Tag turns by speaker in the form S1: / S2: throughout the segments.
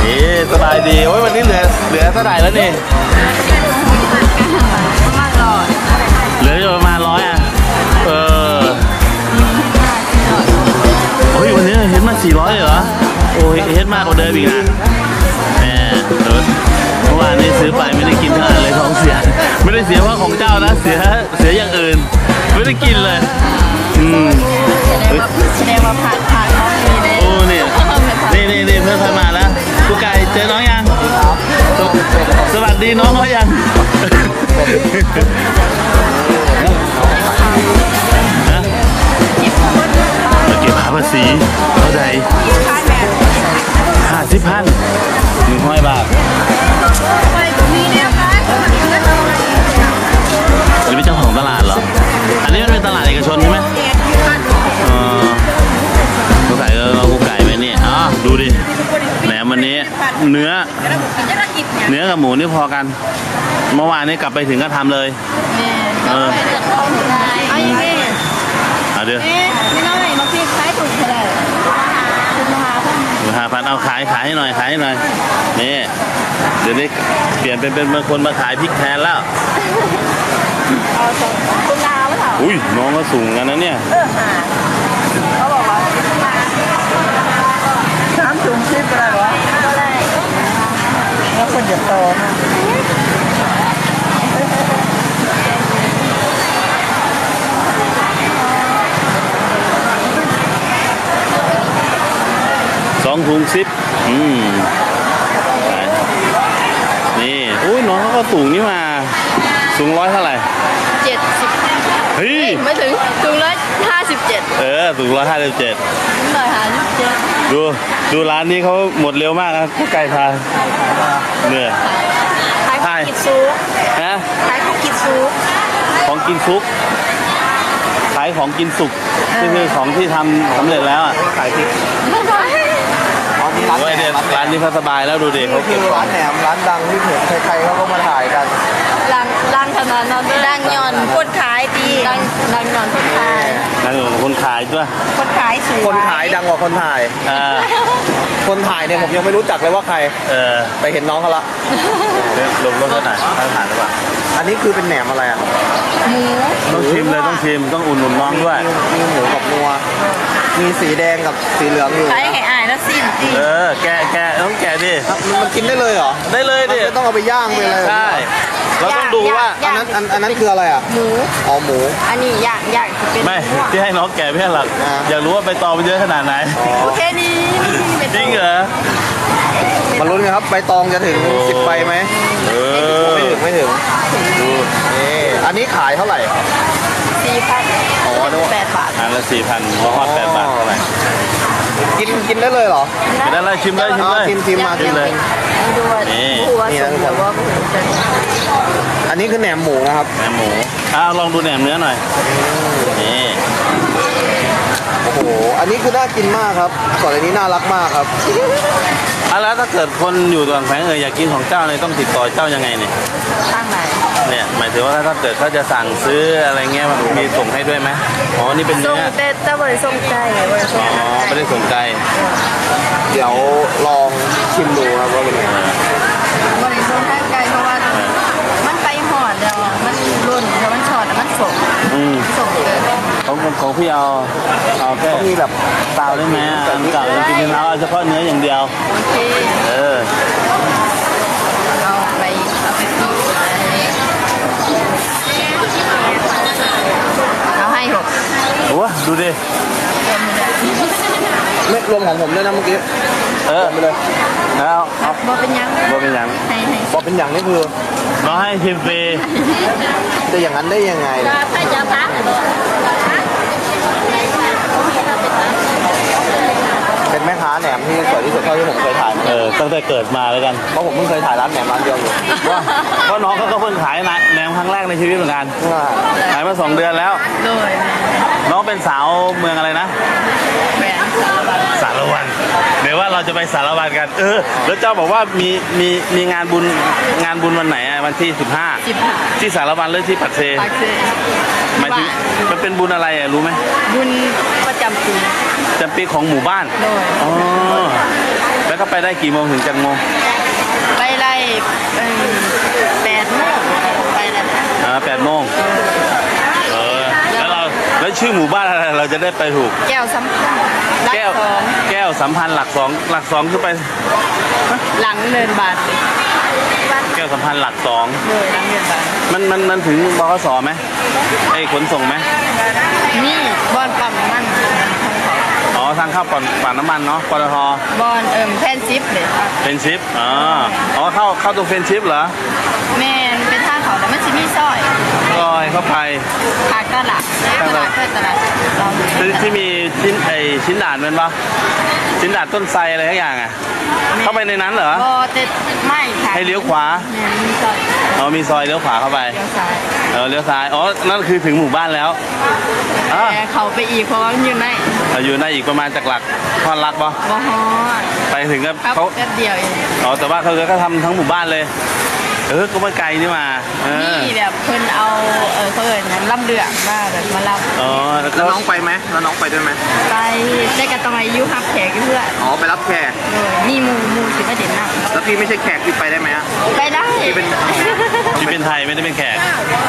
S1: นี่สบายดีโอ้ยวันนี้เหลือเท่าไหร่แล้วนี่เหลืออยู่ประมาณ100อ่ะโอ้ยวันนี้เฮ็ดมา400เหรอโอ้ยเฮ็ดมากกว่าเดิมอีกนะแหมเมื่อวานนี้ซื้อไปไม่ได้กินเท่าไหร่เลยท้องเสียไม่ได้เสียเพราะของเจ้านะเสียอย่างอื่นไม่ได้กินเลย
S2: แสดงว่าผ่านห้องนี้เลย
S1: โอ้นี่เพื่อนมาแล้วกูไก่เจอน้องยังสวัสดีน้องเขายังเก็บภาษีเท่าไหร่50,000 100 บาทหรือเป็นเจ้าของตลาดเหรออันนี้มันเป็นตลาดเอกชนใช่ไหมกูไก่เรากูไก่ไหมนี่ดูดิแหนมวันนี้เนื้อกับหมูนี่พอกันเมื่อวานนี้กลับไปถึงก็ทำเลยเดี๋ยว
S2: นี่น้อยมาพี่ขายถูกเท่าไหร่
S1: 5,000เอาขายให้หน่อยนี่เดี๋ยวนี้เปลี่ยนเป็นบางคนมาขายพริกแทนแล้ว
S2: คุณลาวเหรอ
S1: อุ้ยน้องก็สูงกันนะเนี่ย
S2: เขาบอกว่า3 ถุง10อะไรวะแล้วคนจะโต
S1: 2 ถุง10นี่อุ้ยน้องเขาก็สูงนี่มาสูง100เท่าไหร่
S2: 70
S1: เฮ้ย
S2: ไม่ถึงสูง157
S1: สูง157ดูร้านนี้เขาหมดเร็วมากนะผู้ไก่พาเนี่ย
S2: ขายของกินซุกขายของกินซุก
S1: ของกินซุกขายของกินสุกนี่คือของที่ทำสำเร็จแล้วอ่ะขายพริกร้านนี้เขาสบายแล้วดูดิเขาเก็บร้านแหนมร้านดังที่เห็นใครๆเขาก็มาถ่ายกัน
S2: ดังขนาดนั้นดังย่อนคนขายดีดังย่อนคนขาย
S1: คนขายด้วย
S2: คนขายสวย
S3: คนขายดังกว่าคนถ่ายคนถ่ายเนี่ยผมยังไม่รู้จักเลยว่าใครไปเห็นน้องเขาละ
S1: ลงรถเขาหน่อยถ่ายหรือเปล่า
S3: อันนี้คือเป็นแหนมอะไรอ่ะ
S2: หมู
S1: ต้องชิมเลยต้องอุ่นน้องด้วย
S3: มีหมูกับนัวมีสีแดงกับสีเหลืองอยู่
S2: ใช้ให้อายแล้วสิ้นจริง
S1: แกต้องแกดิ
S3: มันกินได้เลยเหรอ
S1: ได้เลยดิ
S3: ไม่ต้องเอาไปย่างไปเลย
S1: ใช่เราต้องดูว่า
S3: อันนั้นคืออะไรอ่ะ
S2: หมู
S3: หมู
S2: อันนี้ย่าง
S1: ไม่ที่ให้น้องแกไม่ใช่หรอกอยากรู้ว่าใบตองมันเยอะขนาดไหน
S2: โอเคนี้
S1: จริงเหรอ
S3: มาลุ้นกันครับใบตองจะถึง10 ใบไหมไม่ถึงดูนี่อันนี้ขายเท่าไหร่
S2: 4,000 8 บาท
S1: อันละ4,000เพราะว่า8 บาทเท่าไหร่
S3: กินได้เลยเหรอ
S1: กินได้เลยชิมเลย
S3: ชิมมา
S1: เลย
S3: นี่นะทุกคนอันนี้คือแหนมหมูนะครับ
S1: แหนมหมูลองดูแหนมเนื้อหน่อยนี่
S3: โอ้โหอันนี้คือน่ากินมากครับก่อนอันนี้น่ารักมากครับ
S1: แล้วถ้าเกิดคนอยู่ต่างแฝงอยากกินของเจ้าเนี่ยต้องติดต่อเจ้ายังไงเนี่ย
S2: ทางไหน
S1: เนี่ยหมายถึงว่าถ้าเกิดเขาจะสั่งซื้ออะไรเงี้ยมันมีส่งให้ด้วยไหมนี่เป็นเนื้อ
S2: แต่บริส่งไก่
S1: ไม่ได้ส่งไก่
S3: เดี๋ยวลองชิมดูครับว่าเป็นยังไง
S2: บริส่งไก่เพราะว่ามันไปหอดเดียวมันรุ่นแล้วมันช็อตแล้วมันส่งเลย
S1: ของพี่เอาแค่
S3: มีแบบ
S1: เปล่าได้ไหมเก่ากินเอาเฉพาะเนื้ออย่างเดียว
S2: เอาไปเอาให้6
S1: โอ้ดูดิ
S3: ไม่รวมของผมด้วยนะเมื่อกี้ไปเลย
S1: แล้ว
S2: บอเป็นยัง
S3: บอเป็นอย่างนี่คือ
S1: น้องให้ชิมฟรี
S3: จะอย่างนั้นได้ยังไง
S2: ถ้าจะพัก
S3: เป็นแม่ค้าแหนมที่สวยที่สุดเท่าที่ผมเคยถ่าย
S1: ตั้งแต่เกิดมาแล้วกัน
S3: เพราะผมเพิ่งเคยถ่ายร้านแหนมร้านเดียวอยู่
S1: เพราะน้องเขาก็เพิ่งขายแหนมครั้งแรกในชีวิตเหมือนกันขายมา2 เดือนแล้วน้องเป็นสาวเมืองอะไรนะสารวันเดี๋ยวว่าเราจะไปสารวันกันแล้วเจ้าบอกว่ามีงานบุญวันไหนวันที่15ที่สารวันหรือที่ปักเซหมายถึงมันเป็นบุญอะไรรู้ไหม
S2: บุญประจำปี
S1: จำปีของหมู่บ้าน
S2: โดย
S1: อ๋อแล้วก็ไปได้กี่โมงถึงจังโมง
S2: ไปไล่8 โมงไปแล้ว
S1: 8 โมงแล้วชื่อหมู่บ้านอะไรเราจะได้ไปถูก
S2: แก้วสัมพันธ์รัก
S1: แก้ว
S2: สอง
S1: แก้วสัมพันธ์หลักสองคือไป
S2: หลังเนินบาทเลย
S1: แก้วสัมพันธ์หลักสอง
S2: โดยหลังเนินบาท
S1: มันถึงบขสไหมไอ้ขนส่งไหม
S2: นี่บอนปั๊มน้ำมัน
S1: อ๋อทางเข้าปั่นน้ำมันเนาะปตท
S2: บอนแพนซิปเลย
S1: เฟรนชิพอ๋อเข้าตรงเฟรนชิพเหรอ
S2: แม่นเป็นท่าเขาแต่มันจะมีซอย
S1: ลอยเข้าไป
S2: ทางตลาดตลาดเพื่อตลาดเรา
S1: ที่มีชิ้นด่านเป็นปะชิ้นด่านต้นไทรอะไรทั้งอย่างอ่ะเข้าไปในนั้นเหรอ
S2: บอเต็ดไม่ค่ะ
S1: ให้เลี้ยวขวา
S2: แม่นมีซอย
S1: อ๋อมีซอยเลี้ยวขวาเข้าไป
S2: เลี้ยวซ้าย
S1: เลี้ยวซ้ายอ๋อนั่นคือถึงหมู่บ้านแล้วอ่ะ
S2: แต่เขาไปอีกเพราะว่ามันอยู่ใน
S1: อยู่ในอีกประมาณจากหลักทอดรักปะ
S2: บอฮอด
S1: ไปถึงก็
S2: ครับ
S1: เขา
S2: แป๊บเดียวเอง
S1: อ๋อแต่ว่าเขาก็ทำทั้งหมู่บ้านเลยก็ไม่ไกลนี่มา
S2: นี่แบบเพิ่นเอาเขาเอิญนั้นล่ำเดือกมาแบบมารับ
S1: อ๋อ
S3: แล้วน้องไปไหมแล้วน้องไปด้วยไหม
S2: ไปได้กันตรงอายุฮับแขกเพื่อน
S3: อ๋อไปรับแขก
S2: โดยมีหมูสิมาเด่นหนัก
S3: แล้วพี่ไม่ใช่แขกพี่ไปได้ไหมอะ
S2: ไปได้
S3: พี่เป็น
S1: ที่เป็นไทยไม่ได้เป็นแขก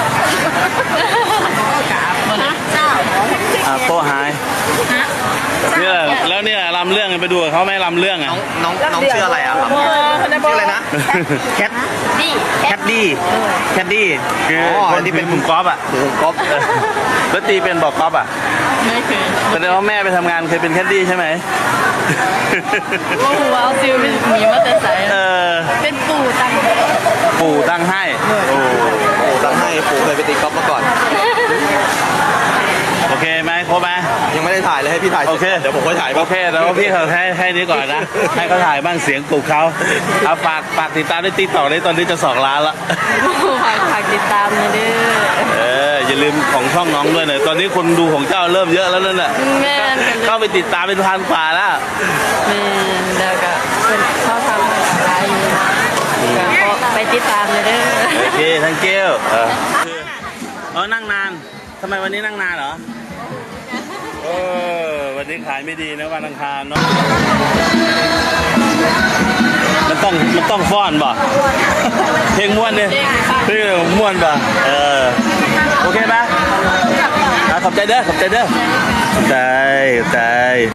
S2: กราบนะเจ้า
S1: โต้หายเนี่ยแล้วเนี่ยลำเรื่องไปดูกับเขาไหมลำเรื่องอ่ะ
S3: น้องชื่ออะไรอะครับชื่ออะไรนะแคท
S2: นี่
S3: แคทดี้แคทดี้
S1: คือคนที่เป็นกลุ่มกอล์ฟอ่ะ
S3: ถือก๊อฟ
S1: แล้วตีเป็นบอกกอล์ฟอ่ะ
S2: ไม่เคย
S1: แสดงว่าแม่ไปทำงานเคยเป็นแคดดี้ใช่ไหม
S2: ว่าหัวเอาซิลเป็นหมีมาแต่ใส เป็นปู่ตัง
S1: ปู่ตั้งให้โอ้
S3: โอ้ตั้งให้ปู่เคยไปตีก๊อฟมาก่อน
S1: โอเคไหมครบไหม
S3: ยังไม่ได้ถ่ายเลยให้พี่ถ่าย
S1: โอเค
S3: เดี๋ยวผมค่อยถ่าย
S1: โอเคแล้วพี่เขาให้นี้ก่อนนะ ให้เขาถ่ายบ้างเสียงปลุกเขาเอาฝากติดตามได้ติ๊กต็อกได้ตอนนี้จะ2 ล้านละ
S2: ฝากติดตามนะเด้อ
S1: อย่าลืมของช่องน้องด้วยหน่อยตอนนี้คนดูของเจ้าเริ่มเยอะแล้วนั่นแหละ
S2: แม่น
S1: เข้าไปติดตามเป็น1,000 กว่าแล้ว
S2: แม่นแล้วก็เป็นชอบทำอะไรก็ไปติดตามเลยเด้อ
S1: โอเคทั้งเกลนั่งนานทำไมวันนี้นั่งนานเหรอวันนี้ขายไม่ดีนะวันอังคารเนาะมันต้องฟ้อนบ่เพลงม้วนเนี่ยเพลงม้วนบ่โอเคไหมขอบใจเด้อขอบใจ